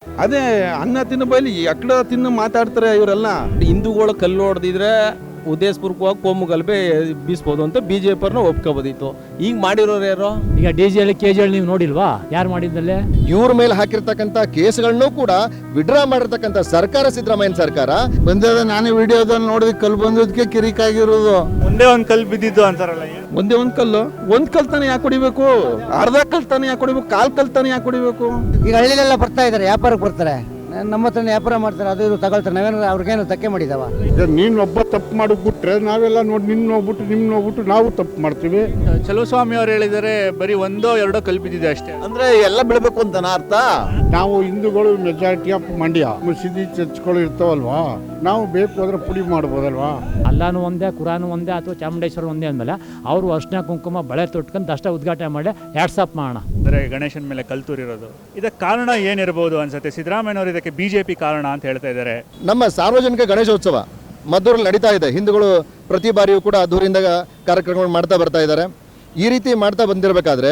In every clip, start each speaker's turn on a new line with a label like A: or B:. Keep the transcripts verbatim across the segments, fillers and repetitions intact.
A: ಅದೇ ಅನ್ನ ತಿನ್ನು ಬೈಲಿ ಎಕ್ಕಡ ತಿನ್ನು ಮಾತಾಡ್ತಾರೆ ಇವರೆಲ್ಲ.
B: ಹಿಂದೂಗಳು ಕಲ್ಲು ಹೊಡೆದಿದ್ರೆ ಉದ್ದೇಶಪೂರ್ವಕವಾಗಿ ಕೋಮು ಗಲಭೆ ಬೀಸ್ಬೋದು ಅಂತ ಬಿ ಜೆ ಪಿಯವ್ರನ್ನ ಒಪ್ಕೋಬೋದಿತ್ತು. ಈಗ ಮಾಡಿರೋರು ಯಾರು?
C: ಈಗ D G Halli K G Halli ನೀವು ನೋಡಿಲ್ವಾ? ಯಾರು ಮಾಡಿದ್ದಲ್ಲೇ?
D: ಇವ್ರ ಮೇಲೆ ಹಾಕಿರ್ತಕ್ಕಂಥ ಕೇಸ್ಗಳನ್ನು ಕೂಡ ವಿಡ್ರಾ ಮಾಡಿರ್ತಕ್ಕಂಥ ಸರ್ಕಾರ ಸಿದ್ದರಾಮಯ್ಯ ಸರ್ಕಾರ.
A: ಬಂದದ ನಾನೇ ವಿಡಿಯೋದಲ್ಲಿ ನೋಡಿದ ಕಲ್ಲು ಬಂದದಕ್ಕೆ ಕಿರಿಕಾಗಿರೋದು.
E: ಒಂದೇ ಒಂದ್ ಕಲ್ಲು ಬಿದ್ದಿದ್ದು ಅಂತಾರಲ್ಲ,
A: ಒಂದೇ ಒಂದ್ ಕಲ್ಲು ಒಂದ್ ಕಲ್ ತಾನೆ ಯಾಕೆ ಹೊಡಿಬೇಕು? ಅರ್ಧ ಕಲ್ ತಾನೆ ಯಾಕೆ ಹೊಡಿಬೇಕು? ಕಾಲ್ ಕಲ್ ತಾನೆ ಯಾಕೆ ಹೊಡಿಬೇಕು?
F: ಈಗ ಹಳ್ಳಿಲೆಲ್ಲ ಬರ್ತಾ ಇದಾರೆ, ವ್ಯಾಪಾರಕ್ಕೆ ಬರ್ತಾರೆ, ನಮ್ಮ ಹತ್ರ ವ್ಯಾಪಾರ ಮಾಡ್ತಾರೆ, ಅದು ಇದು ತಗೊಳ್ತಾರೆ. ನಾವೇನು ಅವ್ರಿಗೇನು ಧಕ್ಕೆ ಮಾಡಿದಾವ?
G: ನೀನು ಒಬ್ಬ ತಪ್ಪು ಮಾಡಿಬಿಟ್ರೆ ನಾವೆಲ್ಲ ನೋಡಿ ನಿನ್ನ ನೋಡ್ಬಿಟ್ಟು ನಿಮ್ ನೋಡ್ಬಿಟ್ಟು ನಾವು ತಪ್ಪು ಮಾಡ್ತೀವಿ.
E: ಚಲುವಸ್ವಾಮಿ ಅವ್ರು ಹೇಳಿದರೆ ಬರೀ ಒಂದೋ ಎರಡೋ ಕಲ್ಲು ಬಿದ್ದಿದೆ ಅಷ್ಟೇ
B: ಅಂದ್ರೆ ಎಲ್ಲ ಬೆಳಬೇಕು ಅಂತ ಅರ್ಥ.
G: ನಾವು ಹಿಂದೂಗಳು ಮೆಜಾರಿಟಿ ಆಫ್ ಮಂಡ್ಯ, ಮಸೀದಿ ಚರ್ಚ್ಗಳು ಇರ್ತಾವಲ್ವಾ, ನಾವು ಬೇಕು ಅಂದ್ರೆ ಪುಡಿ ಮಾಡ್ಬೋದಲ್ವಾ?
C: ಅಲ್ಲಾನು ಒಂದೇ, ಕುರಾನು ಒಂದೇ, ಅಥವಾ ಚಾಮುಂಡೇಶ್ವರ ಒಂದೇ ಅಂದಮೇಲೆ ಅವರು ಅರ್ಶಿನ ಕುಂಕುಮ ಬಳೆ ತೊಟ್ಕೊಂಡು ಅಷ್ಟೇ ಉದ್ಘಾಟನೆ ಮಾಡಿ ವಾಟ್ಸಪ್ ಮಾಡೋಣ.
E: ಅಂದರೆ ಗಣೇಶನ ಮೇಲೆ ಕಲ್ಲು ತೂರಿರೋದು ಇದಕ್ಕೆ ಕಾರಣ ಏನಿರ್ಬೋದು ಅನ್ಸುತ್ತೆ? ಸಿದ್ದರಾಮಯ್ಯನವರು ಇದಕ್ಕೆ ಬಿಜೆಪಿ ಕಾರಣ ಅಂತ ಹೇಳ್ತಾ ಇದ್ದಾರೆ.
D: ನಮ್ಮ ಸಾರ್ವಜನಿಕ ಗಣೇಶೋತ್ಸವ ಮದ್ದೂರಲ್ಲಿ ನಡೀತಾ ಇದೆ. ಹಿಂದೂಗಳು ಪ್ರತಿ ಬಾರಿಯೂ ಕೂಡ ಅದ್ದೂರಿಂದ ಕಾರ್ಯಕ್ರಮಗಳು ಮಾಡ್ತಾ ಬರ್ತಾ ಇದ್ದಾರೆ. ಈ ರೀತಿ ಮಾಡ್ತಾ ಬಂದಿರಬೇಕಾದ್ರೆ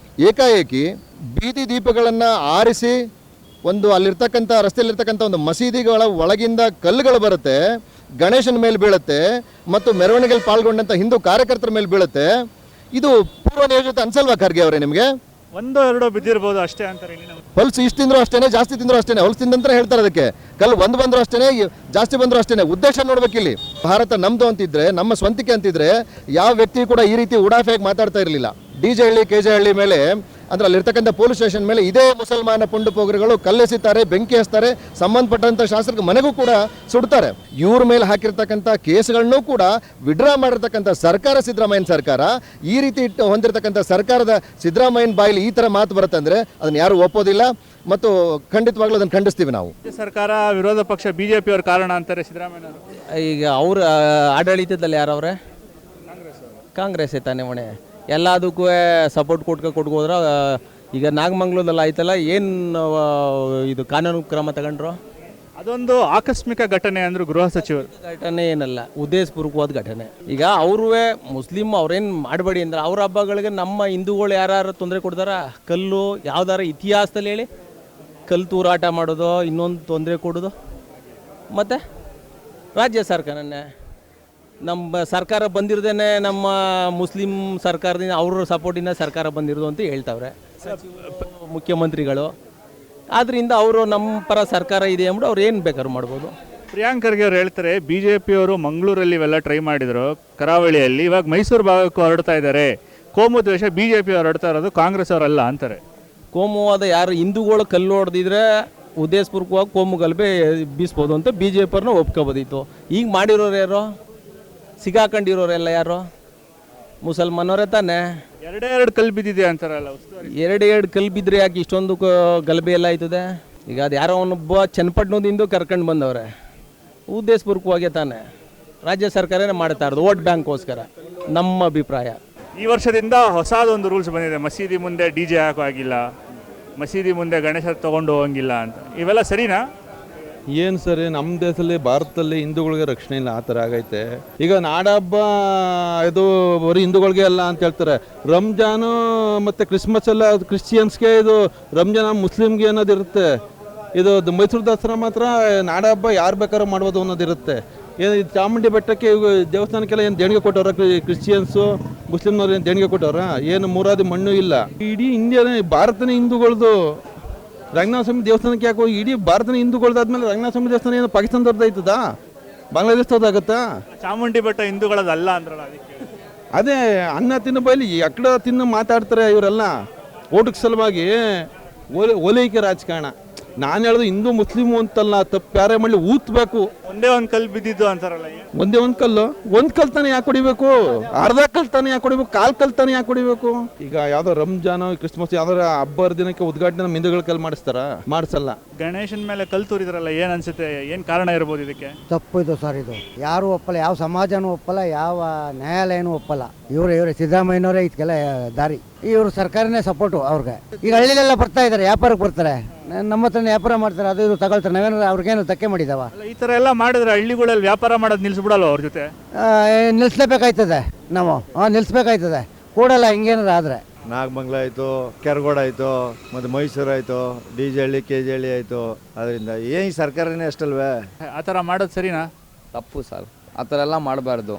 D: ಏಕಾಏಕಿ ಬೀದಿ ದೀಪಗಳನ್ನು ಆರಿಸಿ ಒಂದು ಅಲ್ಲಿರ್ತಕ್ಕಂಥ ರಸ್ತೆಯಲ್ಲಿರ್ತಕ್ಕಂಥ ಒಂದು ಮಸೀದಿಗಳ ಒಳಗಿಂದ ಕಲ್ಲುಗಳು ಬರುತ್ತೆ, ಗಣೇಶನ ಮೇಲೆ ಬೀಳುತ್ತೆ ಮತ್ತು ಮೆರವಣಿಗೆಯಲ್ಲಿ ಪಾಲ್ಗೊಂಡಂಥ ಹಿಂದೂ ಕಾರ್ಯಕರ್ತರ ಮೇಲೆ ಬೀಳುತ್ತೆ. ಇದು ಪೂರ್ವ ನಿಯೋಜಿತ ಅನ್ಸಲ್ವಾ ಖರ್ಗೆ ಅವರೇ ನಿಮಗೆ?
E: ಒಂದೋ ಎರಡೋ ಬಿದ್ದಿರ್ಬೋದು ಅಷ್ಟೇ ಅಂತಾರೆ.
D: ಹೊಲ್ಸು ಇಷ್ಟು ತಿಂದ್ರು ಅಷ್ಟೇನೆ, ಜಾಸ್ತಿ ತಿಂದ್ರು ಅಷ್ಟೇನೆ. ಹೊಲ್ಸು ತಿಂದಂತ ಹೇಳ್ತಾರೆ ಅದಕ್ಕೆ. ಕಲ್ಲು ಒಂದು ಬಂದ್ರು ಅಷ್ಟೇನೆ, ಜಾಸ್ತಿ ಬಂದ್ರು ಅಷ್ಟೇನೆ. ಉದ್ದೇಶ ನೋಡ್ಬೇಕಿಲ್ಲಿ. ಭಾರತ ನಮ್ದು ಅಂತಿದ್ರೆ, ನಮ್ಮ ಸ್ವಂತಿಕೆ ಅಂತಿದ್ರೆ ಯಾವ ವ್ಯಕ್ತಿ ಕೂಡ ಈ ರೀತಿ ಉಡಾಫೆಯಾಗಿ ಮಾತಾಡ್ತಾ ಇರಲಿಲ್ಲ. D J Halli K J Halli ಮೇಲೆ ಅಂದ್ರೆ ಅಲ್ಲಿರ್ತಕ್ಕಂಥ ಪೊಲೀಸ್ ಸ್ಟೇಷನ್ ಮೇಲೆ ಇದೇ ಮುಸಲ್ಮಾನ ಪುಂಡು ಪೋಗರುಗಳು ಕಲ್ಲೆಸಿತಾರೆ, ಬೆಂಕಿ ಹಚ್ತಾರೆ, ಸಂಬಂಧಪಟ್ಟಂಥ ಶಾಸಕರ ಮನೆಗೂ ಕೂಡ ಸುಡ್ತಾರೆ. ಇವ್ರ ಮೇಲೆ ಹಾಕಿರ್ತಕ್ಕಂಥ ಕೇಸ್ಗಳನ್ನು ಕೂಡ ವಿಡ್ರಾ ಮಾಡಿರ್ತಕ್ಕಂಥ ಸರ್ಕಾರ ಸಿದ್ದರಾಮಯ್ಯನ ಸರ್ಕಾರ. ಈ ರೀತಿ ಹೊಂದಿರತಕ್ಕಂಥ ಸರ್ಕಾರದ ಸಿದ್ದರಾಮಯ್ಯನ ಬಾಯಲ್ಲಿ ಈ ಥರ ಮಾತು ಬರುತ್ತಂದ್ರೆ ಅದನ್ನು ಯಾರು ಒಪ್ಪೋದಿಲ್ಲ ಮತ್ತು ಖಂಡಿತವಾಗ್ಲೂ ಅದನ್ನು ಖಂಡಿಸ್ತೀವಿ ನಾವು.
E: ಸರ್ಕಾರ ವಿರೋಧ ಪಕ್ಷ ಬಿಜೆಪಿ ಅವ್ರ ಕಾರಣ ಅಂತಾರೆ ಸಿದ್ದರಾಮಯ್ಯನವರು.
B: ಈಗ ಅವ್ರ ಆಡಳಿತದಲ್ಲಿ ಯಾರವ್ರೆ? ಕಾಂಗ್ರೆಸ್ ತಾನೇ ಹೊಣೆ. ಎಲ್ಲದಕ್ಕೂ ಸಪೋರ್ಟ್ ಕೊಟ್ಕೊ ಕೊಟ್ಕೋದ್ರ. ಈಗ ನಾಗಮಂಗ್ಲದಲ್ಲಿ ಆಯ್ತಲ್ಲ, ಏನು ಇದು ಕಾನೂನು ಕ್ರಮ ತಗೊಂಡ್ರು?
E: ಅದೊಂದು ಆಕಸ್ಮಿಕ ಘಟನೆ ಅಂದರು ಗೃಹ ಸಚಿವರು.
B: ಘಟನೆ ಏನಲ್ಲ, ಉದ್ದೇಶಪೂರ್ವಕವಾದ ಘಟನೆ. ಈಗ ಅವ್ರವೇ ಮುಸ್ಲಿಮ್ ಅವ್ರೇನು ಮಾಡಬೇಡಿ ಅಂದ್ರೆ ಅವ್ರ ಹಬ್ಬಗಳಿಗೆ ನಮ್ಮ ಹಿಂದೂಗಳು ಯಾರು ತೊಂದರೆ ಕೊಡ್ತಾರ? ಕಲ್ಲು ಯಾವ್ದಾರ ಇತಿಹಾಸದಲ್ಲಿ ಹೇಳಿ ಕಲ್ಲು ತೂರಾಟ ಮಾಡೋದು, ಇನ್ನೊಂದು ತೊಂದರೆ ಕೊಡೋದು. ಮತ್ತು ರಾಜ್ಯ ಸರ್ಕಾರನೇ ನಮ್ಮ ಸರ್ಕಾರ ಬಂದಿರೋದೇನೆ ನಮ್ಮ ಮುಸ್ಲಿಂ ಸರ್ಕಾರದಿಂದ ಅವ್ರ ಸಪೋರ್ಟಿಂದ ಸರ್ಕಾರ ಬಂದಿರೋದು ಅಂತ ಹೇಳ್ತಾವ್ರೆ ಮುಖ್ಯಮಂತ್ರಿಗಳು. ಆದ್ದರಿಂದ ಅವರು ನಮ್ಮ ಪರ ಸರ್ಕಾರ ಇದೆ ಅಂದ್ಬಿಟ್ಟು ಅವ್ರು ಏನು ಬೇಕಾದ್ರೂ ಮಾಡ್ಬೋದು.
E: ಪ್ರಿಯಾಂಕ್ ಖರ್ಗೆ ಅವ್ರು ಹೇಳ್ತಾರೆ ಬಿ ಜೆ ಪಿಯವರು ಮಂಗಳೂರಲ್ಲಿ ಇವೆಲ್ಲ ಟ್ರೈ ಮಾಡಿದ್ರು, ಕರಾವಳಿಯಲ್ಲಿ. ಇವಾಗ ಮೈಸೂರು ಭಾಗಕ್ಕೂ ಹೊರಡ್ತಾ ಇದ್ದಾರೆ. ಕೋಮು ದ್ವೇಷ ಬಿ ಜೆ ಪಿ ಅವ್ರು ಹೊರಡ್ತಾ ಇರೋದು, ಕಾಂಗ್ರೆಸ್ ಅವರಲ್ಲ ಅಂತಾರೆ.
B: ಕೋಮುವಾದ ಯಾರು ಹಿಂದೂಗಳು ಕಲ್ಲು ಹೊಡೆದಿದ್ರೆ ಉದ್ದೇಶಪೂರ್ವಕವಾಗಿ ಕೋಮು ಗಲಭೆ ಬೀಸ್ಬೋದು ಅಂತ ಬಿ ಜೆ ಪಿಯವ್ರನ್ನ ಒಪ್ಕೋಬೋದಿತ್ತು. ಈಗ ಮಾಡಿರೋರು ಯಾರು? ಸಿಗಾಕೊಂಡಿರೋರೆಲ್ಲ ಯಾರು? ಮುಸಲ್ಮಾನವರೇ ತಾನೆ.
E: ಎರಡೇ ಎರಡು ಕಲ್ಲು ಬಿದ್ದಿದೆ ಅಂತಾರಲ್ಲ.
B: ಎರಡು ಎರಡು ಕಲ್ಲು ಬಿದ್ದರೆ ಯಾಕೆ ಇಷ್ಟೊಂದು ಗಲಭೆ ಎಲ್ಲ ಆಯ್ತದೆ? ಈಗ ಅದು ಯಾರೋ ಅವನೊಬ್ಬ ಚನ್ನಪಟ್ಟಣದಿಂದ ಕರ್ಕೊಂಡು ಬಂದವ್ರೆ, ಉದ್ದೇಶಪೂರ್ವಕವಾಗೇ ತಾನೆ. ರಾಜ್ಯ ಸರ್ಕಾರನೇ ಮಾಡ್ತಾ ಇರೋದು ವೋಟ್ ಬ್ಯಾಂಕ್ಗೋಸ್ಕರ, ನಮ್ಮ ಅಭಿಪ್ರಾಯ.
E: ಈ ವರ್ಷದಿಂದ ಹೊಸದೊಂದು ರೂಲ್ಸ್ ಬಂದಿದೆ, ಮಸೀದಿ ಮುಂದೆ ಡಿ ಜೆ ಹಾಕೋ ಆಗಿಲ್ಲ, ಮಸೀದಿ ಮುಂದೆ ಗಣೇಶ ತೊಗೊಂಡು ಹೋಗಂಗಿಲ್ಲ ಅಂತ. ಇವೆಲ್ಲ ಸರಿನಾ?
A: ಏನು ಸರಿ, ನಮ್ಮ ದೇಶದಲ್ಲಿ ಭಾರತದಲ್ಲಿ ಹಿಂದೂಗಳಿಗೆ ರಕ್ಷಣೆ ಇಲ್ಲ, ಆ ಥರ ಆಗೈತೆ. ಈಗ ನಾಡಹಬ್ಬ ಇದು ಬರೀ ಹಿಂದೂಗಳಿಗೆ ಅಲ್ಲ ಅಂತ ಹೇಳ್ತಾರೆ. ರಂಜಾನು ಮತ್ತು ಕ್ರಿಸ್ಮಸ್ ಎಲ್ಲ ಕ್ರಿಶ್ಚಿಯನ್ಸ್ಗೆ, ಇದು ರಂಜಾನ್ ಮುಸ್ಲಿಮ್ಗೆ ಅನ್ನೋದಿರುತ್ತೆ. ಇದು ಮೈಸೂರು ದಸರಾ ಮಾತ್ರ ನಾಡಹಬ್ಬ ಯಾರು ಬೇಕಾದ್ರೂ ಮಾಡ್ಬೋದು ಅನ್ನೋದಿರುತ್ತೆ. ಏನು ಚಾಮುಂಡಿ ಬೆಟ್ಟಕ್ಕೆ ದೇವಸ್ಥಾನಕ್ಕೆಲ್ಲ ಏನು ದೇಣಿಗೆ ಕೊಟ್ಟವ್ರ ಕ್ರಿಶ್ಚಿಯನ್ಸು, ಮುಸ್ಲಿಮ್ನವ್ರು ಏನು ದೇಣಿಗೆ ಕೊಟ್ಟವ್ರ? ಏನು ಮೂರಾದಿ ಮಣ್ಣು ಇಲ್ಲ. ಇಡೀ ಇಂಡಿಯಾನೇ ಭಾರತನೇ ಹಿಂದೂಗಳದು. ರಂಗನಾಥ ಸ್ವಾಮಿ ದೇವಸ್ಥಾನಕ್ಕೆ ಯಾಕೋ ಇಡೀ ಭಾರತನ ಹಿಂದೂಗಳದಾದ್ಮೇಲೆ ರಂಗನಾಥ ಸ್ವಾಮಿ ದೇವಸ್ಥಾನ ಏನು ಪಾಕಿಸ್ತಾನದವ್ರದ್ದು ಆಯ್ತದಾ? ಬಾಂಗ್ಲಾದೇಶದವ್ರದ್ದಾಗತ್ತಾ?
E: ಚಾಮುಂಡಿ ಬೆಟ್ಟ ಹಿಂದೂಗಳದಲ್ಲ ಅಂದ್ರಲ್ಲ, ಅದಕ್ಕೆ.
A: ಅದೇ ಅನ್ನ ತಿನ್ನು ಬೈಲಿ ಎಕ್ಕಡ ತಿನ್ನು ಮಾತಾಡ್ತಾರೆ ಇವರೆಲ್ಲ. ಓಟಕ್ಕೆ ಸಲುವಾಗಿ ಓಲೆ ಓಲೈಕೆ ರಾಜಕಾರಣ. ನಾನು ಹೇಳೋದು ಹಿಂದೂ ಮುಸ್ಲಿಮು ಅಂತಲ್ಲ, ತಪ್ಪು ಯಾರೇ ಮಾಡಲಿ ಊತ್ಬೇಕು.
E: ಒಂದೇ ಒಂದು ಕಲ್ಲು ಬಿದ್ದಿದ್ದು ಅಂತಾರಲ್ಲ,
A: ಒಂದೇ ಒಂದು ಕಲ್ಲು ಒಂದು ಕಲ್ ತಾನೆ ಯಾಕೆ ಹೊಡಿಬೇಕು? ಅರ್ಧ ಕಲ್ ತಾನೆ ಯಾಕೆ ಹೊಡಿಬೇಕು? ಕಾಲ್ ಕಲ್ ತಾನೆ ಯಾಕೆ ಹೊಡಿಬೇಕು? ಈಗ ಯಾವ್ದೋ ರಂಜಾನ್ ಕ್ರಿಸ್ಮಸ್ ಯಾವ್ದಾರ ಹಬ್ಬ ದಿನಕ್ಕೆ ಉದ್ಘಾಟನೆ ಹಿಂದೂಗಳ ಕಲ್ ಮಾಡಿಸ್ತಾರ? ಮಾಡಿಸಲ್ಲ.
E: ಗಣೇಶನ ಮೇಲೆ ಕಲ್ಲು ತೂರಿದ್ರಲ್ಲ, ಏನು ಅನ್ಸುತ್ತೆ? ಏನು ಕಾರಣ ಇರ್ಬೋದು ಇದಕ್ಕೆ?
F: ತಪ್ಪು ಇದು ಸರ್. ಇದು ಯಾರು ಒಪ್ಪಲ್ಲ, ಯಾವ ಸಮಾಜನೂ ಒಪ್ಪಲ್ಲ, ಯಾವ ನ್ಯಾಯಾಲಯನೂ ಒಪ್ಪಲ್ಲ. ಇವ್ರು ಇವ್ರೆ ಸಿದ್ದರಾಮಯ್ಯನವರೇ ಇದಕ್ಕೆಲ್ಲ ದಾರಿ. ಇವರು ಸರ್ಕಾರನೇ ಸಪೋರ್ಟು ಅವ್ರಿಗೆ. ಈಗ ಹಳ್ಳಿಲೆಲ್ಲ ಬರ್ತಾ ಇದ್ದಾರೆ, ವ್ಯಾಪಾರಕ್ಕೆ ಬರ್ತಾರೆ, ನಮ್ಮ ಹತ್ರ ವ್ಯಾಪಾರ ಮಾಡ್ತಾರೆ, ಅದು ಇದು ತಗೊಳ್ತಾರೆ. ನಾವೇನು ಅವ್ರಿಗೇನು ಧಕ್ಕೆ ಮಾಡಿದಾವ?
E: ಈ ಥರ ಎಲ್ಲ ಮಾಡಿದ್ರೆ ಹಳ್ಳಿಗಳಲ್ಲಿ ವ್ಯಾಪಾರ ಮಾಡೋದು ನಿಲ್ಲಿಸ್ಬಿಡಲ್ಲ ಅವ್ರ ಜೊತೆ?
F: ನಿಲ್ಲಿಸ್ಲೇಬೇಕಾಯ್ತದೆ ನಾವು. ಹಾಂ, ನಿಲ್ಲಿಸ್ಬೇಕಾಯ್ತದೆ. ಕೂಡಲ್ಲ ಹಿಂಗೇನಾರು ಆದರೆ.
H: ನಾಗಮಂಗಲ ಆಯಿತು, ಕೆರಗೋಡ ಆಯಿತು, ಮತ್ತು ಮೈಸೂರು ಆಯಿತು, D J Halli K G Halli ಆಯಿತು. ಅದರಿಂದ ಏನು ಈ ಸರ್ಕಾರನೇ ಅಷ್ಟಲ್ವೇ?
E: ಆ ಥರ ಮಾಡೋದು ಸರಿನಾ?
I: ತಪ್ಪು ಸರ್, ಆ ಥರ ಎಲ್ಲ ಮಾಡಬಾರ್ದು.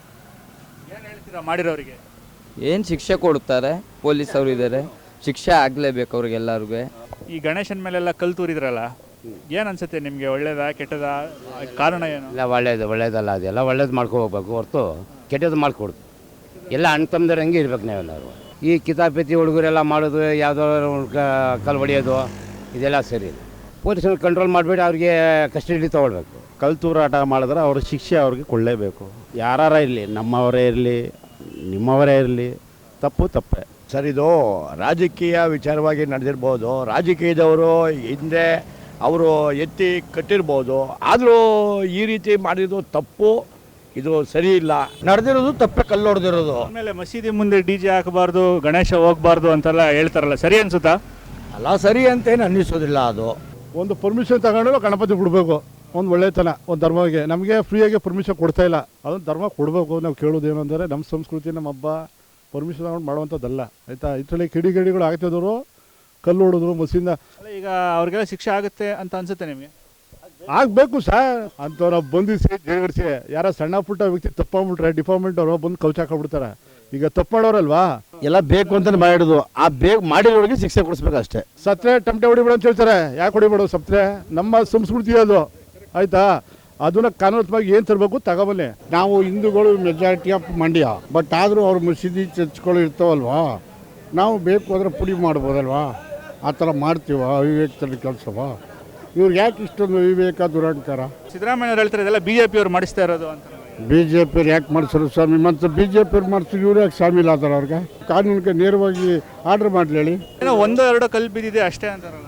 E: ಏನು ಹೇಳ್ತೀರಾ ಮಾಡಿರೋರಿಗೆ?
I: ಏನು ಶಿಕ್ಷೆ ಕೊಡ್ತಾರೆ, ಪೊಲೀಸ್ ಅವರು ಇದ್ದಾರೆ, ಶಿಕ್ಷೆ ಆಗಲೇಬೇಕು ಅವ್ರಿಗೆಲ್ಲರಿಗೂ.
E: ಈ ಗಣೇಶನ ಮೇಲೆಲ್ಲ ಕಲ್ಲು ತೂರಿದ್ರಲ್ಲ, ಏನು ಅನ್ಸುತ್ತೆ ನಿಮಗೆ? ಒಳ್ಳೇದಾ ಕೆಟ್ಟದಾ? ಕಾರಣ ಏನು?
J: ಎಲ್ಲ ಒಳ್ಳೇದು ಒಳ್ಳೇದಲ್ಲ, ಅದೆಲ್ಲ ಒಳ್ಳೇದು ಮಾಡ್ಕೊ ಹೋಗ್ಬೇಕು ಹೊರತು ಕೆಟ್ಟದ್ದು ಮಾಡ್ಕೊಡ್ತು. ಎಲ್ಲ ಅಣ್ಣ ತಮ್ಮದ್ರೆ ಹಂಗೆ ಇರ್ಬೇಕು ನಾವೆಲ್ಲರೂ. ಈ ಕಿತಾಪತಿ ಹುಡುಗರೆಲ್ಲ ಮಾಡೋದು, ಯಾವುದೋ ಕಲ್ಲು ಹೊಡೆಯೋದು, ಇದೆಲ್ಲ ಸರಿ ಇಲ್ಲ. ಪೊಲೀಸರು ಕಂಟ್ರೋಲ್ ಮಾಡಿಬಿಟ್ಟು ಅವ್ರಿಗೆ ಕಸ್ಟಡಿ ತೊಗೊಳ್ಬೇಕು.
K: ಕಲ್ಲು ತೂರಾಟ ಮಾಡಿದ್ರೆ ಅವ್ರ ಶಿಕ್ಷೆ ಅವ್ರಿಗೆ ಕೊಳ್ಳೇಬೇಕು. ಯಾರ ಇರಲಿ, ನಮ್ಮವರೇ ಇರಲಿ, ನಿಮ್ಮವರೇ ಇರಲಿ, ತಪ್ಪು ತಪ್ಪೇ
L: ಸರ್. ಇದು ರಾಜಕೀಯ ವಿಚಾರವಾಗಿ ನಡೆದಿರ್ಬೋದು. ರಾಜಕೀಯದವರು ಹಿಂದೆ ಅವರು ಎತ್ತಿ ಕಟ್ಟಿರ್ಬೋದು, ಆದರೂ ಈ ರೀತಿ ಮಾಡಿದ್ದು ತಪ್ಪು, ಇದು ಸರಿ ಇಲ್ಲ.
D: ನಡೆದಿರೋದು ತಪ್ಪೆ, ಕಲ್ಲು ಹೊಡೆದಿರೋದು.
E: ಆಮೇಲೆ ಮಸೀದಿ ಮುಂದೆ ಡಿ ಜೆ ಹಾಕಬಾರ್ದು, ಗಣೇಶ ಹೋಗಬಾರ್ದು ಅಂತೆಲ್ಲ ಹೇಳ್ತಾರಲ್ಲ, ಸರಿ ಅನ್ಸುತ್ತಾ?
D: ಅಲ್ಲ, ಸರಿ ಅಂತೇನು ಅನ್ನಿಸೋದಿಲ್ಲ. ಅದು
G: ಒಂದು ಪರ್ಮಿಷನ್ ತಗೊಂಡು ಗಣಪತಿ ಬಿಡಬೇಕು. ಒಂದು ಒಳ್ಳೆತನ ಒಂದು ಧರ್ಮಕ್ಕೆ. ನಮಗೆ ಫ್ರೀಯಾಗಿ ಪರ್ಮಿಷನ್ ಕೊಡ್ತಾ ಇಲ್ಲ, ಅದೊಂದು ಧರ್ಮ ಕೊಡಬೇಕು. ನಾವು ಕೇಳೋದೇನು ಅಂದರೆ ನಮ್ಮ ಸಂಸ್ಕೃತಿ, ನಮ್ಮ ಹಬ್ಬ ಪರ್ಮಿಷನ್ ತಗೊಂಡು ಮಾಡುವಂಥದ್ದಲ್ಲ, ಆಯಿತಾ? ಇದರಲ್ಲಿ ಕಿಡಿಗೇಡಿಗಳು ಆಗ್ತಿದ್ರು, ಕಲ್ಲು ಹೊಡೆದ್ರು ಮಸೀದಿನ.
E: ಈಗ ಅವ್ರಿಗೆಲ್ಲ ಶಿಕ್ಷೆ ಆಗುತ್ತೆ ಅಂತ ಅನ್ಸುತ್ತೆ ನಿಮಗೆ?
G: ಆಗಬೇಕು ಸರ್. ಅಂಥವ್ರು ಬಂಧಿಸಿ ಜೇಗರಿಸಿ, ಯಾರ ಸಣ್ಣ ಪುಟ್ಟ ವ್ಯಕ್ತಿ ತಪ್ಪಾಗ್ಬಿಟ್ರೆ ಡಿಪಾರ್ಟ್ಮೆಂಟ್ ಅವರು ಬಂದು ಕೌಚ ಹಾಕೊಂಡ್ಬಿಡ್ತಾರೆ. ಈಗ ತಪ್ಪು ಮಾಡೋರಲ್ವಾ,
D: ಎಲ್ಲ ಬೇಕು ಅಂತಲೇ ಮಾಡಿಡೋದು. ಆ ಬೇಕು ಮಾಡಿರೋರಿಗೆ ಶಿಕ್ಷೆ ಕೊಡಿಸ್ಬೇಕು ಅಷ್ಟೇ.
G: ಸತ್ರೆ ಟಮಟೆ ಹೊಡಿಬೇಡ ಅಂತ ಹೇಳ್ತಾರೆ. ಯಾಕೆ ಹೊಡಿಬೇಡ? ಸತ್ರೆ ನಮ್ಮ ಸಂಸ್ಕೃತಿ ಅದು, ಆಯಿತಾ? ಅದನ್ನ ಕಾನೂನುವಾಗಿ ಏನು ತರಬೇಕು ತಗೊಬನ್ನಿ. ನಾವು ಹಿಂದೂಗಳು ಮೆಜಾರಿಟಿ ಆಫ್ ಮಂಡ್ಯ, ಬಟ್ ಆದರೂ ಅವ್ರ ಮಸೀದಿ ಚರ್ಚ್ಗಳು ಇರ್ತಾವಲ್ವಾ, ನಾವು ಬೇಕು ಅಂದರೆ ಪುಡಿ ಮಾಡ್ಬೋದಲ್ವಾ? ಆ ಥರ ಮಾಡ್ತೀವ? ಅವಿವೇಕದಲ್ಲಿ ಕೆಲಸವಾ? ಇವ್ರಿಗೆ ಯಾಕೆ ಇಷ್ಟೊಂದು ವಿವೇಕ ದುರಹಂಕಾರ?
E: ಸಿದ್ದರಾಮಯ್ಯವ್ರು ಹೇಳ್ತಾರೆ ಇದೆಲ್ಲ ಬಿ ಜೆ ಪಿಯವ್ರು ಮಾಡಿಸ್ತಾ ಇರೋದು ಅಂತ.
G: ಬಿ ಜೆ ಪಿಯವ್ರು ಯಾಕೆ ಮಾಡಿಸೋರು ಸ್ವಾಮಿ? ಮತ್ತು ಬಿ ಜೆ ಪಿಯವ್ರು ಮಾಡಿಸಿದ್ರು, ಇವ್ರು ಯಾಕೆ ಶಾಮೀಲ್ ಆದಾರ? ಅವ್ರಿಗೆ ಕಾನೂನಿಗೆ ನೇರವಾಗಿ ಆರ್ಡರ್ ಮಾಡಲಿ ಹೇಳಿ.
E: ಏನೋ ಒಂದೋ ಎರಡೋ ಕಲ್ಲು ಬಿದ್ದಿದೆ ಅಷ್ಟೇ ಅಂತಾರಲ್ಲ.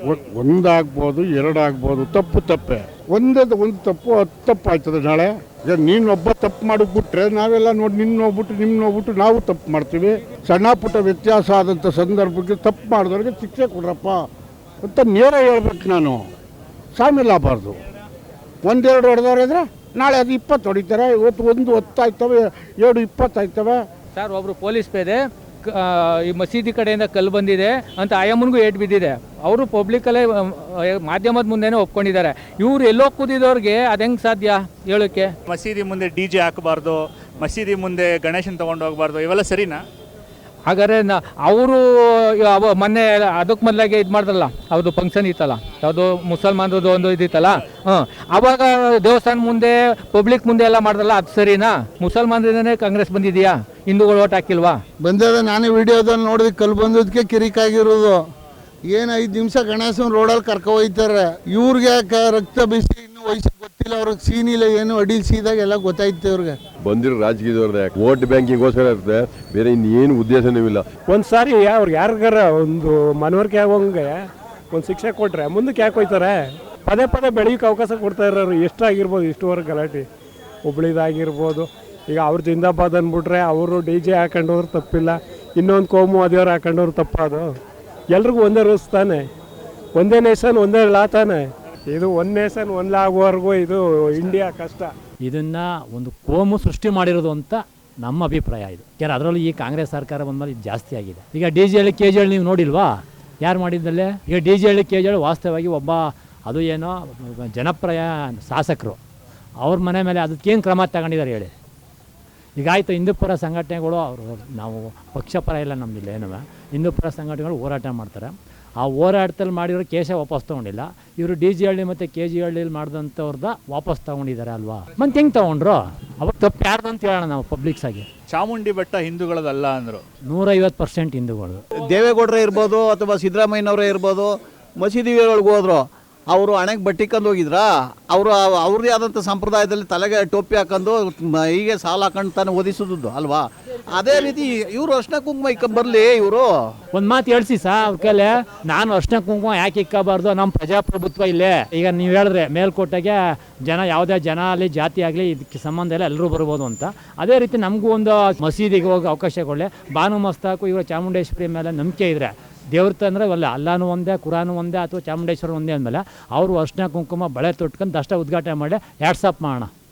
G: ಒಂದಾಗ್ಬೋದು, ಎರಡು ಆಗ್ಬೋದು, ತಪ್ಪು ತಪ್ಪೆ. ಒಂದೇ ಒಂದು ತಪ್ಪು ಹತ್ತು ತಪ್ಪು ಆಯ್ತದೆ ನಾಳೆ. ಈಗ ನೀನು ಒಬ್ಬ ತಪ್ಪು ಮಾಡಿಬಿಟ್ರೆ ನಾವೆಲ್ಲ ನೋಡಿ ನಿನ್ನ ನೋಡ್ಬಿಟ್ಟು ನಿಮ್ಮ ನೋಡ್ಬಿಟ್ಟು ನಾವು ತಪ್ಪು ಮಾಡ್ತೀವಿ. ಸಣ್ಣ ಪುಟ್ಟ ವ್ಯತ್ಯಾಸ ಆದಂಥ ಸಂದರ್ಭಕ್ಕೆ ತಪ್ಪು ಮಾಡಿದವ್ರಿಗೆ ಶಿಕ್ಷೆ ಕೊಡ್ರಪ್ಪ ಅಂತ ನೇರ ಹೇಳ್ಬೇಕು. ನಾನು ಶಾಮೀಲ್ ಆಗಬಾರ್ದು. ಒಂದೆರಡು ಹೊಡೆದವ್ರಿದ್ರೆ ನಾಳೆ ಅದು ಇಪ್ಪತ್ತು ಹೊಡಿತಾರೆ. ಇವತ್ತು ಒಂದು ಹೊತ್ತಾಯ್ತವೆ, ಎರಡು ಇಪ್ಪತ್ತಾಯ್ತವೆ.
B: ಸರ್, ಒಬ್ಬರು ಪೊಲೀಸ್ ಪೇದೆ ಈ ಮಸೀದಿ ಕಡೆಯಿಂದ ಕಲ್ಲು ಬಂದಿದೆ ಅಂತ ಆಯಮ್ಮನಿಗೂ ಏಟ್ ಬಿದ್ದಿದೆ. ಅವರು ಪಬ್ಲಿಕಲ್ಲೇ ಮಾಧ್ಯಮದ ಮುಂದೆನೇ ಒಪ್ಕೊಂಡಿದ್ದಾರೆ. ಇವ್ರು ಎಲ್ಲೋ ಕೂದಿದವ್ರಿಗೆ ಅದು ಹೆಂಗೆ ಸಾಧ್ಯ ಹೇಳೋಕ್ಕೆ?
E: ಮಸೀದಿ ಮುಂದೆ ಡಿ ಜೆ ಹಾಕಬಾರ್ದು, ಮಸೀದಿ ಮುಂದೆ ಗಣೇಶನ್ ತೊಗೊಂಡು ಹೋಗಬಾರ್ದು, ಇವೆಲ್ಲ ಸರಿನಾ?
B: ಹಾಗಾದ್ರೆ ನಾ ಅವರು ಮೊನ್ನೆ ಅದಕ್ಕೆ ಮೊದಲಾಗೆ ಇದು ಮಾಡಿದ್ರಲ್ಲ, ಅದು ಫಂಕ್ಷನ್ ಇತ್ತಲ್ಲ, ಯಾವುದು ಮುಸಲ್ಮಾನರದ್ದು ಒಂದು ಇದಿತ್ತಲ್ಲ, ಹಾಂ, ಅವಾಗ ದೇವಸ್ಥಾನ ಮುಂದೆ ಪಬ್ಲಿಕ್ ಮುಂದೆ ಎಲ್ಲ ಮಾಡಿದ್ರಲ್ಲ, ಅದು ಸರಿನಾ? ಮುಸಲ್ಮಾನರಿಂದನೇ ಕಾಂಗ್ರೆಸ್ ಬಂದಿದೆಯಾ? ಹಿಂದೂಗಳು ಓಟ್ ಹಾಕಿಲ್ವಾ?
M: ಬಂದದ ನಾನೇ ವಿಡಿಯೋದಲ್ಲಿ ನೋಡಿದೆ, ಕಲ್ಲು ಬಂದದಕ್ಕೆ ಕಿರಿಕಾಗಿರೋದು. ಏನು ಐದು ನಿಮಿಷ ಗಣೇಶನ ರೋಡಲ್ಲಿ ಕರ್ಕೊ ಹೋಯ್ತಾರೆ. ಇವ್ರಿಗೆ ಯಾಕೆ ರಕ್ತ ಬಿಸಿ ಇನ್ನೂ ವಯಸ್ಸು ಗೊತ್ತಿಲ್ಲ, ಅವ್ರಿಗೆ ಸೀನಿಲ್ಲ, ಏನು ಅಡಿಲ್ ಸೀದಾಗ ಎಲ್ಲ ಗೊತ್ತಾಯ್ತು ಇವ್ರಿಗೆ.
N: ಬಂದಿರೋ ರಾಜಕೀಯದವ್ರದ್ದು ಯಾಕೆ ವೋಟ್ ಬ್ಯಾಂಕಿಗೋಸ್ಕರ ಇರುತ್ತೆ, ಬೇರೆ ಇನ್ನೇನು ಉದ್ದೇಶನೂ ಇಲ್ಲ.
O: ಒಂದು ಸಾರಿ ಅವ್ರಿಗೆ ಯಾರಿಗಾರ ಒಂದು ಮನವರಿಕೆ ಆಗೋಂಗೆ ಒಂದು ಶಿಕ್ಷೆ ಕೊಟ್ಟರೆ ಮುಂದಕ್ಕೆ ಯಾಕೆ ಹೋಯ್ತಾರೆ? ಪದೇ ಪದೇ ಬೆಳೆಯೋಕೆ ಅವಕಾಶ ಕೊಡ್ತಾ ಇರೋರು ಎಷ್ಟಾಗಿರ್ಬೋದು, ಇಷ್ಟುವರೆಗೆ ಗಲಾಟೆ ಹುಬ್ಳಿದಾಗಿರ್ಬೋದು. ಈಗ ಅವ್ರು ಜಿಂದಾಬಾದ್ ಅಂದ್ಬಿಟ್ರೆ ಅವರು ಡಿ ಜೆ ಹಾಕೊಂಡವ್ರು ತಪ್ಪಿಲ್ಲ, ಇನ್ನೊಂದು ಕೋಮು ಅದೇವ್ರು ಹಾಕೊಂಡವ್ರು ತಪ್ಪದು. ಎಲ್ರಿಗೂ ಒಂದೇ ರೂಲ್ಸ್ ತಾನೆ, ಒಂದೇ ನೇಷನ್ ಒಂದೇ ಲಾ ತಾನೆ. ಇದು ಒಂದು ನೇಷನ್ ಒಂದು ಲಾ ಆಗುವವರೆಗೂ ಇದು ಇಂಡಿಯಾ ಕಷ್ಟ.
C: ಇದನ್ನು ಒಂದು ಕೋಮು ಸೃಷ್ಟಿ ಮಾಡಿರೋದು ಅಂತ ನಮ್ಮ ಅಭಿಪ್ರಾಯ ಇದು. ಯಾರು ಅದರಲ್ಲೂ ಈ ಕಾಂಗ್ರೆಸ್ ಸರ್ಕಾರ ಬಂದಮೇಲೆ ಇದು ಜಾಸ್ತಿ ಆಗಿದೆ. ಈಗ D G Halli K G Halli ನೀವು ನೋಡಿಲ್ವಾ? ಯಾರು ಮಾಡಿದ್ದಲ್ಲೇ? ಈಗ D G Halli K G Halli ವಾಸ್ತವವಾಗಿ ಒಬ್ಬ ಅದು ಏನೋ ಜನಪ್ರಿಯ ಶಾಸಕರು, ಅವ್ರ ಮನೆ ಮೇಲೆ ಅದಕ್ಕೇನು ಕ್ರಮ ತಗೊಂಡಿದ್ದಾರೆ ಹೇಳಿ? ಈಗ ಆಯಿತು, ಹಿಂದೂಪರ ಸಂಘಟನೆಗಳು ಅವರು, ನಾವು ಪಕ್ಷಪರ ಇಲ್ಲ ನಮ್ಮದಿಲ್ಲ ಏನೋ, ಹಿಂದೂಪರ ಸಂಘಟನೆಗಳು ಹೋರಾಟ ಮಾಡ್ತಾರೆ. ಆ ಹೋರಾಟದಲ್ಲಿ ಮಾಡಿರೋ ಕೇಶ ವಾಪಸ್ ತೊಗೊಂಡಿಲ್ಲ. ಇವರು ಡಿ ಜಿ ಹಳ್ಳಿ ಮತ್ತು ಕೆ ಜಿ ಹಳ್ಳಿಲಿ ಮಾಡಿದಂಥವ್ರದ ವಾಪಸ್ ತೊಗೊಂಡಿದ್ದಾರೆ ಅಲ್ವಾ? ಮತ್ತೆ ಹೆಂಗೆ ತೊಗೊಂಡ್ರು? ಅವಾಗ ತಪ್ಪು ಯಾರ್ದು ಅಂತ ಹೇಳೋಣ ನಾವು ಪಬ್ಲಿಕ್ಸ್ ಆಗಿ.
E: ಚಾಮುಂಡಿ ಬೆಟ್ಟ ಹಿಂದೂಗಳದಲ್ಲ ಅಂದರು.
C: ನೂರೈವತ್ತು ಪರ್ಸೆಂಟ್ ಹಿಂದೂಗಳು.
P: ದೇವೇಗೌಡರೇ ಇರ್ಬೋದು ಅಥವಾ ಸಿದ್ದರಾಮಯ್ಯನವರೇ ಇರ್ಬೋದು, ಮಸೀದಿ ಒಳಗೆ ಹೋದ್ರು, ಅವರು ಹಣೆಗೆ ಬಟ್ಟೆ ಕಂಡು ಹೋಗಿದ್ರಾ? ಅವರು ಅವ್ರದ್ದೇ ಆದಂಥ ಸಂಪ್ರದಾಯದಲ್ಲಿ ತಲೆಗೆ ಟೋಪಿ ಹಾಕೊಂಡು ಹೀಗೆ ಸಾಲ ಹಾಕೊಂಡು ತಾನು ಓದಿಸೋದು ಅಲ್ವಾ? ಅದೇ ರೀತಿ ಇವರು ಅರ್ಶಿನ ಕುಂಕುಮ ಇಕ್ಕ ಬರಲಿ. ಇವರು
C: ಒಂದು ಮಾತು ಹೇಳ್ಸಿ ಸಾ ಅವ್ರ ಕೈಲೆ, ನಾನು ಅರ್ಶಿನ ಕುಂಕುಮ ಯಾಕೆ ಇಕ್ಕಬಾರ್ದು? ನಮ್ಮ ಪ್ರಜಾಪ್ರಭುತ್ವ ಇಲ್ಲೇ. ಈಗ ನೀವು ಹೇಳಿದ್ರೆ ಮೇಲ್ಕೋಟೆಗೆ ಜನ, ಯಾವುದೇ ಜನ ಆಗಲಿ ಜಾತಿ ಆಗಲಿ ಇದಕ್ಕೆ ಸಂಬಂಧ ಇಲ್ಲ, ಎಲ್ಲರೂ ಬರ್ಬೋದು ಅಂತ. ಅದೇ ರೀತಿ ನಮಗೂ ಒಂದು ಮಸೀದಿಗೆ ಹೋಗಿ ಅವಕಾಶ ಕೊಡಲಿ. ಬಾನು ಮಸ್ತಾಕು ಇವರು ಚಾಮುಂಡೇಶ್ವರಿ ಮೇಲೆ ನಂಬಿಕೆ ಇದ್ರೆ, ದೇವ್ರ ತಂದರೆ ಅಲ್ಲ, ಅಲ್ಲಾನು ಒಂದೇ, ಕುರಾನು ಒಂದೇ, ಅಥವಾ ಚಾಮುಂಡೇಶ್ವರ ಒಂದೇ ಅಂದಮೇಲೆ ಅವರು ಅರ್ಶಿನ ಕುಂಕುಮ ಬಳೆ ತೊಟ್ಕೊಂಡು ದಷ್ಟ ಉದ್ಘಾಟನೆ ಮಾಡಿ ಹ್ಯಾಟ್ಸಪ್ ಮಾಡೋಣ.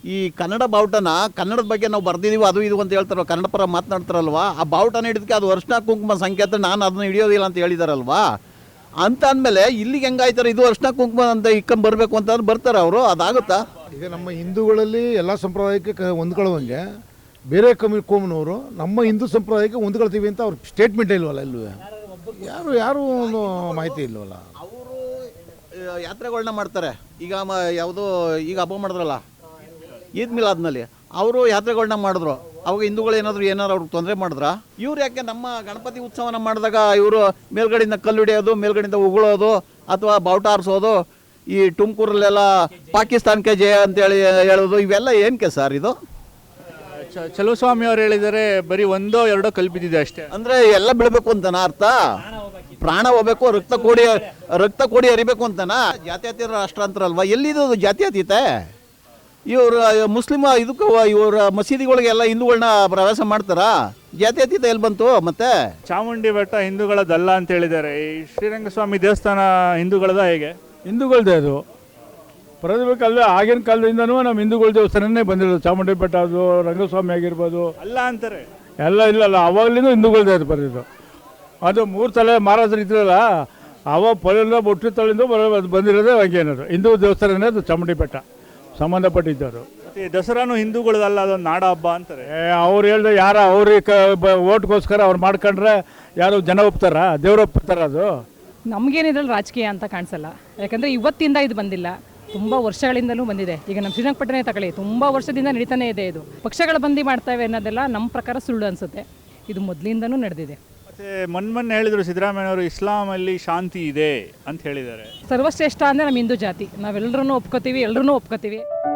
P: ಈ ಕನ್ನಡ ಬಾವುಟನ ಕನ್ನಡದ ಬಗ್ಗೆ ನಾವು ಬರ್ದಿದ್ದೀವಿ ಅದು ಇದು ಅಂತ ಹೇಳ್ತಾರೋ ಕನ್ನಡ ಪರ ಮಾತನಾಡ್ತಾರಲ್ವಾ, ಆ ಬಾವುಟನ ಹಿಡಿದಕ್ಕೆ ಅದು ಅರ್ಶಿನ ಕುಂಕುಮ ಸಂಕೇತ, ನಾನು ಅದನ್ನ ಹಿಡಿಯೋದಿಲ್ಲ ಅಂತ ಹೇಳಿದಾರಲ್ವಾ. ಅಂತ ಅಂದಮೇಲೆ ಇಲ್ಲಿಗೆ ಹೆಂಗಾಯ್ತಾರೆ, ಇದು ಅರ್ಶಿನ ಕುಂಕುಮ ಅಂತ ಇಕ್ಕಂಬ ಬರಬೇಕು ಅಂತ ಬರ್ತಾರೆ ಅವರು, ಅದಾಗುತ್ತಾ?
Q: ಈಗ ನಮ್ಮ ಹಿಂದೂಗಳಲ್ಲಿ ಎಲ್ಲ ಸಂಪ್ರದಾಯಕ್ಕೆ ಕ ಹೊಂದ್ಕೊಳ್ಳೋಂಗೆ ಬೇರೆ ಕಮ್ಮಿ ಕೋಮನವರು ನಮ್ಮ ಹಿಂದೂ ಸಂಪ್ರದಾಯಕ್ಕೆ ಹೊಂದ್ಕೊಳ್ತೀವಿ ಅಂತ ಅವ್ರ ಸ್ಟೇಟ್ಮೆಂಟ್ ಇಲ್ವಲ್ಲ, ಎಲ್ಲೂ ಯಾರು ಯಾರು ಒಂದು ಮಾಹಿತಿ ಇಲ್ವಲ್ಲ.
P: ಅವರು ಯಾತ್ರೆಗಳನ್ನ ಮಾಡ್ತಾರೆ. ಈಗ ಮ ಯಾವುದೋ ಈಗ ಹಬ್ಬ ಮಾಡಿದ್ರಲ್ಲ ಈದ್ ಮಿಲಾದ್ನಲ್ಲಿ, ಅವರು ಯಾತ್ರೆಗಳನ್ನ ಮಾಡಿದ್ರು. ಅವಾಗ ಹಿಂದೂಗಳು ಏನಾದರೂ ಏನಾದ್ರು ಅವ್ರಿಗೆ ತೊಂದರೆ ಮಾಡಿದ್ರಾ? ಇವ್ರು ಯಾಕೆ ನಮ್ಮ ಗಣಪತಿ ಉತ್ಸವನ ಮಾಡಿದಾಗ ಇವರು ಮೇಲ್ಗಡೆಯಿಂದ ಕಲ್ಲು ಹಿಡಿಯೋದು, ಮೇಲ್ಗಡೆಯಿಂದ ಉಗುಳೋದು ಅಥವಾ ಬಾವುಟ ಆರಿಸೋದು, ಈ ತುಮಕೂರಲ್ಲೆಲ್ಲ ಪಾಕಿಸ್ತಾನಕ್ಕೆ ಜಯ ಅಂತೇಳಿ ಹೇಳೋದು, ಇವೆಲ್ಲ ಏನಕ್ಕೆ ಸರ್ ಇದು?
E: ಚಲುವಸ್ವಾಮಿ ಅವರು ಹೇಳಿದರೆ ಬರೀ ಒಂದೋ ಎರಡೋ ಕಲ್ಲು ಬಿದ್ದಿದೆ ಅಷ್ಟೇ.
P: ಅಂದರೆ ಎಲ್ಲ ಬೀಳಬೇಕು ಅಂತನಾ ಅರ್ಥ? ಪ್ರಾಣ ಹೋಗ್ಬೇಕು, ರಕ್ತ ಕೋಡಿ ರಕ್ತ ಕೋಡಿ ಹರಿಬೇಕು ಅಂತನಾ? ಜಾತ್ಯತೀತ ರಾಷ್ಟ್ರ ಅಂತಾರಲ್ವಾ, ಎಲ್ಲಿದು ಜಾತ್ಯತೀತೆ? ಇವರು ಮುಸ್ಲಿಮ ಇದಕ್ಕೂ ಇವ್ರ ಮಸೀದಿಗಳಿಗೆಲ್ಲ ಹಿಂದೂಗಳನ್ನ ಪ್ರವೇಶ ಮಾಡ್ತಾರಾ? ಜಾತ್ಯತೀತ ಎಲ್ಲಿ ಬಂತು? ಮತ್ತೆ
E: ಚಾಮುಂಡಿ ಬೆಟ್ಟ ಹಿಂದೂಗಳದಲ್ಲ ಅಂತ ಹೇಳಿದ್ದಾರೆ. ಈ ಶ್ರೀರಂಗಸ್ವಾಮಿ ದೇವಸ್ಥಾನ ಹಿಂದೂಗಳದ ಹೇಗೆ?
O: ಹಿಂದೂಗಳದೇ ಅದು. ಪ್ರತಿಭೆ ಕಾಲದ ಆಗಿನ ಕಾಲದಿಂದನೂ ನಮ್ಮ ಹಿಂದೂಗಳ ದೇವಸ್ಥಾನನೇ ಬಂದಿರೋದು. ಚಾಮುಂಡಿ ಬೆಟ್ಟ ಅದು, ರಂಗಸ್ವಾಮಿ ಆಗಿರ್ಬೋದು,
E: ಅಲ್ಲ ಅಂತಾರೆ
O: ಎಲ್ಲ ಇಲ್ಲಲ್ಲ, ಅವಾಗಲಿಂದ ಹಿಂದೂಗಳದೇ ಅದು ಬಂದಿದ್ದು. ಅದು ಮೂರು ತಲೆ ಮಹಾರಾಜರು ಇದ್ರಲ್ಲ, ಅವ ಪೊಲೆಲ್ಲ ಒಟ್ಟು ತಲೆಯಿಂದ ಬಂದಿರೋದೇ ಹಂಗೇನದು ಹಿಂದೂ ದೇವಸ್ಥಾನನೇ ಅದು ಚಾಮುಂಡಿ ಬೆಟ್ಟ ಸಂಬಂಧಪಟ್ಟಿದ್ದವರು.
E: ದಸರಾನು ಹಿಂದೂಗಳದಲ್ಲ, ಅದೊಂದು ನಾಡ ಹಬ್ಬ ಅಂತಾರೆ.
O: ಅವ್ರು ಹೇಳ್ದೆ ಯಾರ ಅವ್ರಿಗೆ ಕ ಓಟ್ಗೋಸ್ಕರ ಅವ್ರು ಮಾಡ್ಕೊಂಡ್ರೆ ಯಾರು ಜನ ಒಪ್ತಾರ? ದೇವ್ರು ಒಪ್ತಾರ? ಅದು
R: ನಮಗೇನಿದ್ರಲ್ಲಿ ರಾಜಕೀಯ ಅಂತ ಕಾಣಿಸಲ್ಲ. ಯಾಕಂದರೆ ಇವತ್ತಿಂದ ಇದು ಬಂದಿಲ್ಲ, ತುಂಬ ವರ್ಷಗಳಿಂದಲೂ ಬಂದಿದೆ. ಈಗ ನಮ್ಮ ಶ್ರೀರಂಗಪಟ್ಟಣ ತಗೊಳ್ಳಿ, ತುಂಬ ವರ್ಷದಿಂದ ನಡೀತಾನೆ ಇದೆ. ಇದು ಪಕ್ಷಗಳ ಬಂದಿ ಮಾಡ್ತವೆ ಅನ್ನೋದೆಲ್ಲ ನಮ್ಮ ಪ್ರಕಾರ ಸುಳ್ಳು ಅನಿಸುತ್ತೆ. ಇದು ಮೊದಲಿಂದನೂ ನಡೆದಿದೆ.
E: ಮತ್ತೆ ಮೊನ್ನೆ ಮೊನ್ನೆ ಹೇಳಿದರು ಸಿದ್ದರಾಮಯ್ಯವರು ಇಸ್ಲಾಮಲ್ಲಿ ಶಾಂತಿ ಇದೆ ಅಂತ ಹೇಳಿದ್ದಾರೆ.
R: ಸರ್ವಶ್ರೇಷ್ಠ ಅಂದರೆ ನಮ್ಮ ಹಿಂದೂ ಜಾತಿ, ನಾವೆಲ್ಲರೂ ಒಪ್ಕೋತೀವಿ, ಎಲ್ಲರೂ ಒಪ್ಕೋತೀವಿ.